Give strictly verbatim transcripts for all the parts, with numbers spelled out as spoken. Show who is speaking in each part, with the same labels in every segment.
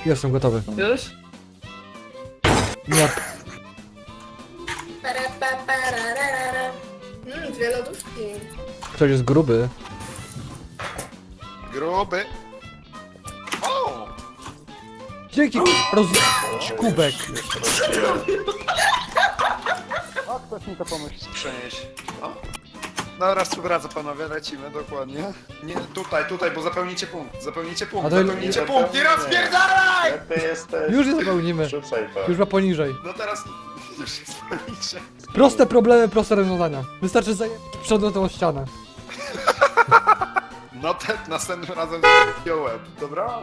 Speaker 1: Jestem gotowy.
Speaker 2: Już?
Speaker 1: Nie.
Speaker 3: Para, pa, para, ra, ra, ra. Mm, dwie lodówki.
Speaker 1: Ktoś jest gruby.
Speaker 4: Gruby. O!
Speaker 1: Dzięki roz... kubek.
Speaker 4: A ktoś mi to pomógł przenieść. O. Dobra, współpraca panowie, lecimy dokładnie. Nie, tutaj, tutaj, bo zapełnicie punkt. Zapełnicie
Speaker 1: A
Speaker 4: punkt,
Speaker 1: to-
Speaker 4: zapełnicie punkt. Nie rozpierdalaj!
Speaker 5: Ty jesteś.
Speaker 1: Już je zapełnimy.
Speaker 5: Rzucaj to.
Speaker 1: Już ma poniżej.
Speaker 4: No teraz już jest poniżej.
Speaker 1: Proste problemy, proste rozwiązania. Wystarczy zająć przedmiotową ścianę.
Speaker 4: No te następnym razem z łeb, dobra?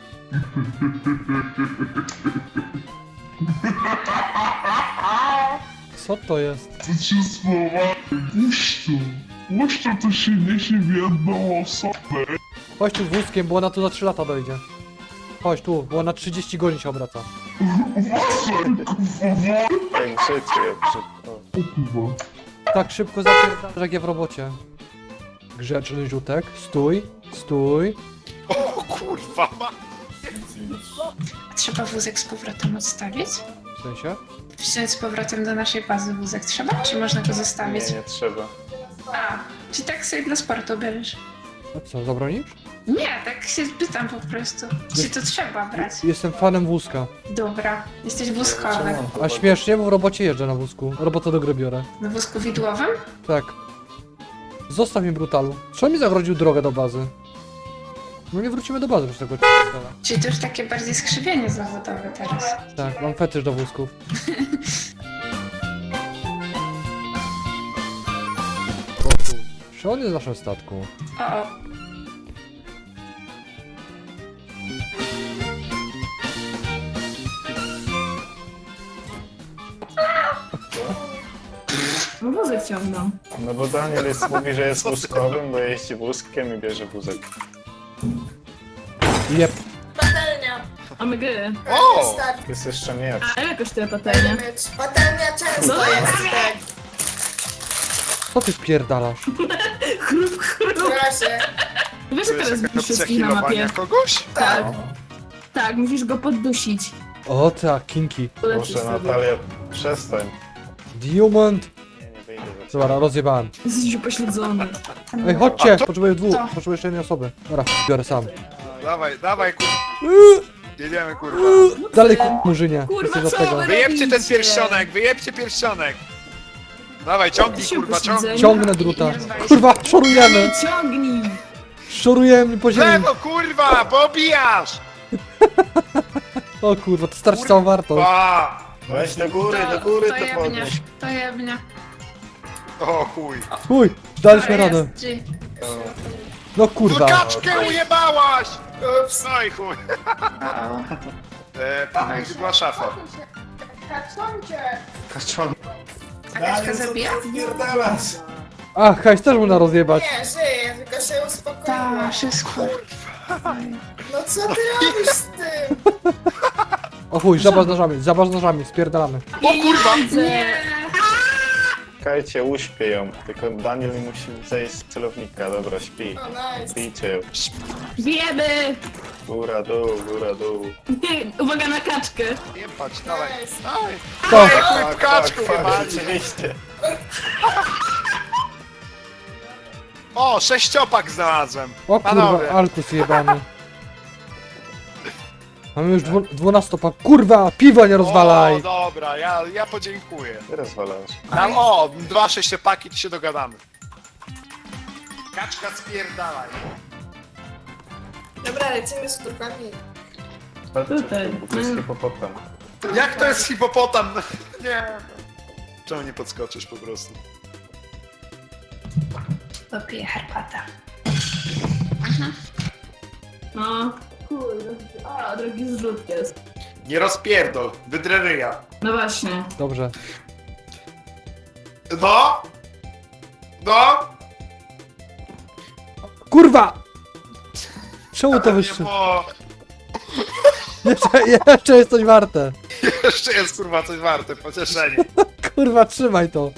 Speaker 1: Co to jest?
Speaker 6: To cię słowa puszczą. Puszczą to się niesie w jedną osobę.
Speaker 1: Chodź tu wózkiem, bo ona tu za trzy lata dojdzie. Chodź tu, bo ona trzydzieści godzin się obraca.
Speaker 6: Uważaj, kurwa.
Speaker 5: Jak życie, przy... o.
Speaker 6: O kurwa.
Speaker 1: Tak szybko zapierdalasz jak ja w robocie. Grzeczny Ziutek, stój, stój.
Speaker 4: O kurwa, ma...
Speaker 7: Trzeba wózek z powrotem odstawić?
Speaker 1: W sensie?
Speaker 7: Wziąć z powrotem do naszej bazy wózek trzeba? Czy można go zostawić?
Speaker 5: Nie, nie trzeba.
Speaker 7: A, czy tak sobie dla sportu bierzesz?
Speaker 1: A co, zabronisz?
Speaker 7: Nie, tak się pytam po prostu. Czy to trzeba brać?
Speaker 1: Jestem fanem wózka.
Speaker 7: Dobra, jesteś wózkowy.
Speaker 1: A śmiesznie, bo w robocie jeżdżę na wózku. Robotę do gry biorę.
Speaker 7: Na wózku widłowym?
Speaker 1: Tak. Zostaw mi brutalu. Co mi zagrodził drogę do bazy? No nie wrócimy do bazy przez tego c***a.
Speaker 7: Czyli to już takie bardziej skrzywienie zawodowe teraz.
Speaker 1: Tak, mam fetysz do wózków. O kur- Czy on jest w naszym statku?
Speaker 7: O, o.
Speaker 2: No wózek ciągną.
Speaker 5: No bo Daniel jest, mówi, że jest wózkowym, bo jeździ wózkiem i bierze wózek.
Speaker 1: Jep.
Speaker 3: Patelnia.
Speaker 2: Omega.
Speaker 4: O!
Speaker 3: Start.
Speaker 5: Jest jeszcze miecz.
Speaker 2: A ile kosztuje patelnia?
Speaker 3: Miecz. Patelnia często
Speaker 2: No.
Speaker 3: jest, tak.
Speaker 1: Co ty wpierdalasz?
Speaker 2: Chrup, chrup.
Speaker 3: Proszę.
Speaker 2: Wiesz,
Speaker 4: To
Speaker 2: że
Speaker 4: jest
Speaker 2: teraz
Speaker 4: jakaś
Speaker 2: widzisz
Speaker 4: opcja
Speaker 2: wszystkich na mapie?
Speaker 4: healowania kogoś?
Speaker 2: Tak. Tak, musisz go poddusić.
Speaker 1: O tak, kinki.
Speaker 2: Polecisz
Speaker 5: Proszę
Speaker 2: sobie.
Speaker 5: Natalia, przestań.
Speaker 1: Diamond.
Speaker 5: Nie, nie wyjdę za ciebie.
Speaker 1: Dobra, rozjebałem.
Speaker 2: Jesteś upośledzony.
Speaker 1: Ej, chodźcie!
Speaker 4: A to-
Speaker 1: Potrzebuję dwóch,
Speaker 7: Co?
Speaker 1: potrzebuję jeszcze jednej osoby. Dobra, biorę sam.
Speaker 4: Dawaj, dawaj kurwa. Jedziemy kurwa.
Speaker 1: Dalej, ku- murzynie.
Speaker 2: Kurwa,
Speaker 1: Jesteś od
Speaker 2: co
Speaker 1: tego.
Speaker 2: wy-
Speaker 4: Wyjebcie ten
Speaker 2: robicie?
Speaker 4: pierścionek, wyjebcie pierścionek. Dawaj, ciągnij
Speaker 2: Się
Speaker 4: kurwa, ciągnij.
Speaker 2: upośledzeni.
Speaker 1: Ciągnę druta. Kurwa, szorujemy!
Speaker 2: Ciągnij!
Speaker 1: Szorujemy po ziemi.
Speaker 4: Lewo kurwa, pobijasz!
Speaker 1: O kurwa, to starczy całą wartość.
Speaker 4: Pa!
Speaker 5: Weź do góry,
Speaker 7: To,
Speaker 5: do góry
Speaker 7: to
Speaker 5: to
Speaker 7: jebnie,
Speaker 5: podnieś.
Speaker 7: to jebnie.
Speaker 4: O chuj.
Speaker 1: Uj, daliśmy
Speaker 7: To
Speaker 1: radę.
Speaker 7: jest, G.
Speaker 1: No
Speaker 4: No
Speaker 1: kurwa.
Speaker 4: kaczkę ujebałaś! Ups, no i chuj.
Speaker 7: O, o.
Speaker 4: E, tam gdzie była szafa.
Speaker 3: Kaczoncie.
Speaker 5: Kaczon.
Speaker 7: A kaczka zabija?
Speaker 1: A, hajs też można rozjebać.
Speaker 3: Nie, żyję, tylko się uspokoiłem.
Speaker 7: Ta, wszystko.
Speaker 3: No co ty robisz z tym?
Speaker 1: O chuj, żaba z nożami, żaba z nożami, spierdalamy.
Speaker 4: O kurwa!
Speaker 2: Nie!
Speaker 5: Czekajcie, uśpię ją. Tylko Daniel musi zejść z celownika. Dobra, śpi.
Speaker 3: O, nice.
Speaker 5: Bijcie ją.
Speaker 2: Bijemy!
Speaker 5: Góra, dół, góra, dół.
Speaker 2: Uwaga na kaczkę!
Speaker 4: Jebać, dawaj.
Speaker 3: Nice.
Speaker 4: Dawaj.
Speaker 1: To.
Speaker 4: Ej, chuj, w kaczku
Speaker 5: fuck,
Speaker 4: jebali.
Speaker 5: rzeczywiście.
Speaker 4: O, sześciopak znalazłem.
Speaker 1: O
Speaker 4: Panowie.
Speaker 1: kurwa, Alkus jebany. Mamy już dwu, dwunastopak. Kurwa, piwa nie rozwalaj.
Speaker 4: O, dobra, ja, ja podziękuję.
Speaker 5: Ty rozwalasz.
Speaker 4: Dam, o, dwa sześciopaki, to się dogadamy. Kaczka spierdalaj.
Speaker 3: Dobra, lecimy z turkami.
Speaker 5: Patrzcie,
Speaker 2: Tutaj.
Speaker 5: to jest hipopotam.
Speaker 4: Jak to jest hipopotam? Nie. Czemu nie podskoczysz po prostu?
Speaker 7: Popiję herbatę.
Speaker 2: No. Kurde. A, drogi zrzut jest.
Speaker 4: Nie rozpierdol, wydrę ryja.
Speaker 2: No właśnie.
Speaker 1: Dobrze.
Speaker 4: No? No?
Speaker 1: Kurwa! Czemu to
Speaker 4: Nie
Speaker 1: wyszło?
Speaker 4: było.
Speaker 1: Jeszcze, jeszcze jest coś warte.
Speaker 4: Jeszcze jest kurwa coś warte, pocieszenie.
Speaker 1: Kurwa, trzymaj to.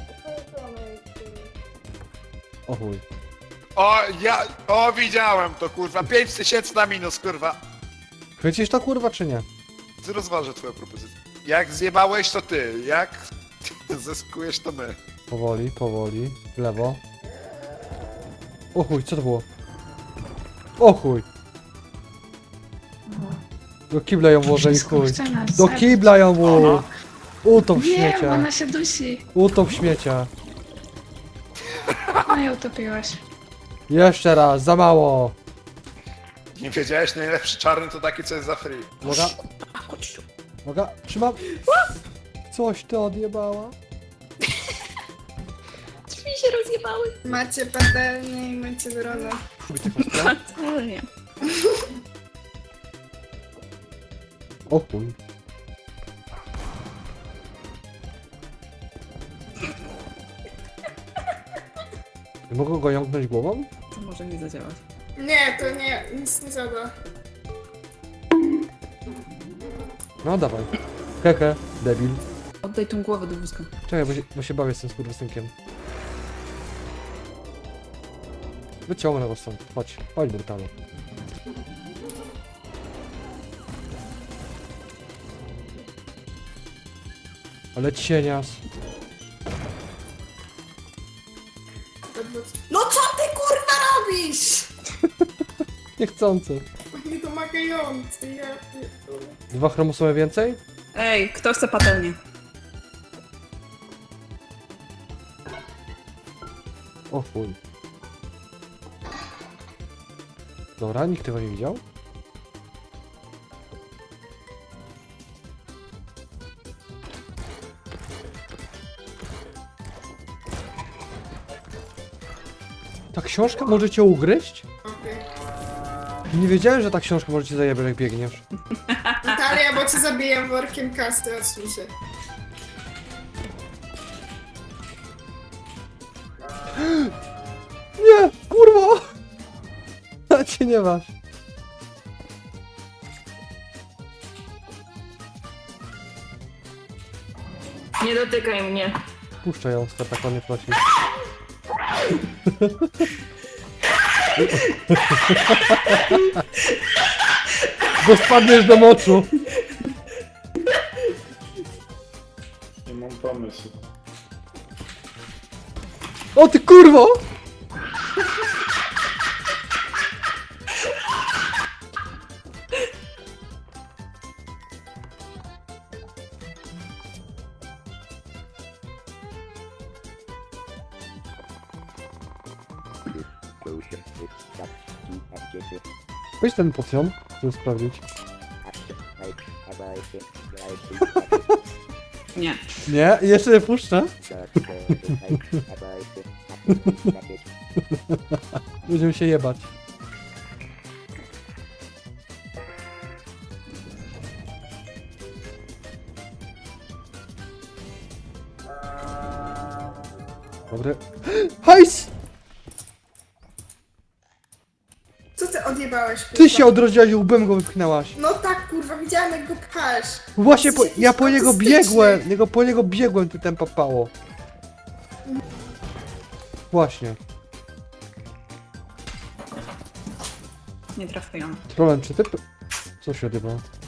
Speaker 1: O chuj.
Speaker 4: O, ja, o widziałem to kurwa, pięć tysięcy na minus kurwa.
Speaker 1: Chwycisz to kurwa czy nie?
Speaker 4: Ty rozważę twoją propozycję. Jak zjebałeś, to ty. Jak zyskujesz, to my.
Speaker 1: Powoli, powoli. W lewo. O chuj, co to było? O chuj! Do kibla ją włożę i
Speaker 7: Wszystko
Speaker 1: chuj.
Speaker 7: chce nas
Speaker 1: Do
Speaker 7: zabić.
Speaker 1: kibla ją włóż! Utop
Speaker 7: Wiem,
Speaker 1: śmiecia.
Speaker 7: ona się dusi.
Speaker 1: Utop śmiecia.
Speaker 7: No i utopiłaś.
Speaker 1: Jeszcze raz, za mało.
Speaker 4: Nie wiedziałeś, najlepszy czarny to taki, co jest za free.
Speaker 1: Uwaga. Uwaga, trzymam. Coś ty odjebała.
Speaker 2: Drzwi się rozjebały.
Speaker 3: Macie patelnię i macie dronę.
Speaker 2: Nie.
Speaker 1: O chuj. Nie mogę go jąknąć głową?
Speaker 2: To może nie zadziałać.
Speaker 3: Nie, to nie, nic nie zada.
Speaker 1: No dawaj. Hehe, debil.
Speaker 2: Oddaj tą głowę do wózka.
Speaker 1: Czekaj, bo się, bo się bawię z tym skurwysynkiem. Wyciągnę go stąd. Chodź, chodź brutalu. Ale cienias.
Speaker 3: No co ty kurwa robisz?
Speaker 1: Niechcący.
Speaker 3: Niedomagający, ja pierdolę.
Speaker 1: Dwa chromosomy więcej?
Speaker 2: Ej, kto chce patelnię?
Speaker 1: O chuj. Dobra, nikt tego nie widział? Ta książka może cię ugryźć?
Speaker 3: Okej.
Speaker 1: Nie wiedziałem, że ta książka może cię zajebać jak biegniesz.
Speaker 3: Natalia, bo cię zabiję workiem kasty, odsuń się.
Speaker 1: Nie! Kurwa! A cię nie masz.
Speaker 2: Nie dotykaj mnie.
Speaker 1: Puszczaj ją, Spartakonie prosi. Bo spadniesz do moczu.
Speaker 5: Nie mam pomysłu.
Speaker 1: O ty kurwo! Weź ten potion, żeby sprawdzić.
Speaker 2: Nie.
Speaker 1: Nie, jeszcze nie puszczę. Będziemy się jebać. Dobry. Hajs!
Speaker 3: Co ty odjebałeś, kurwa?
Speaker 1: Ty się odrodziłaś i łbem go wypchnęłaś.
Speaker 3: No tak, kurwa, widziałem jak go pchasz.
Speaker 1: Właśnie po,
Speaker 3: Jesteś
Speaker 1: ja po niego
Speaker 3: autystyczny.
Speaker 1: biegłem, niego po niego biegłem, tu ten papało. Właśnie.
Speaker 2: Nie trafiłam.
Speaker 1: Trolem, czy ty... Co się odjebało?